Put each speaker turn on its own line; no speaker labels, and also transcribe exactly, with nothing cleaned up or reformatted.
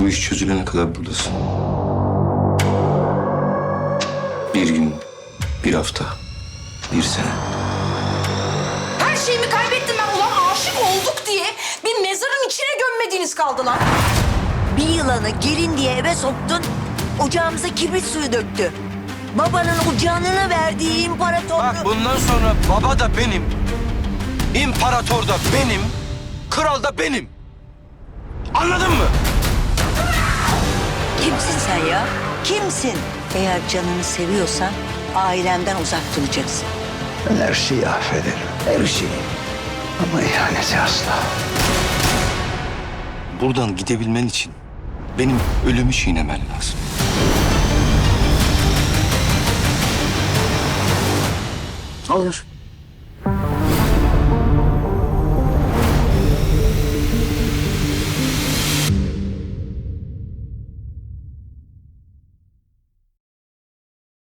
Bu iş çözülene kadar buradasın. Bir gün, bir hafta, bir sene.
Her şeyimi kaybettim ben. Ulan aşık olduk diye bir mezarın içine gömmediğiniz kaldı lan.
Bir yılanı gelin diye eve soktun, ocağımıza kibrit suyu döktü. Babanın o canını verdiği imparatorluğu...
Bak bundan sonra baba da benim, imparator da benim, kral da benim. Anladın mı?
Kimsin sen ya? Kimsin? Eğer canını seviyorsan ailemden uzak duracaksın.
Ben her şeyi affederim. Her şeyi. Ama ihaneti asla.
Buradan gidebilmen için benim ölümü çiğnemen lazım.
Olur.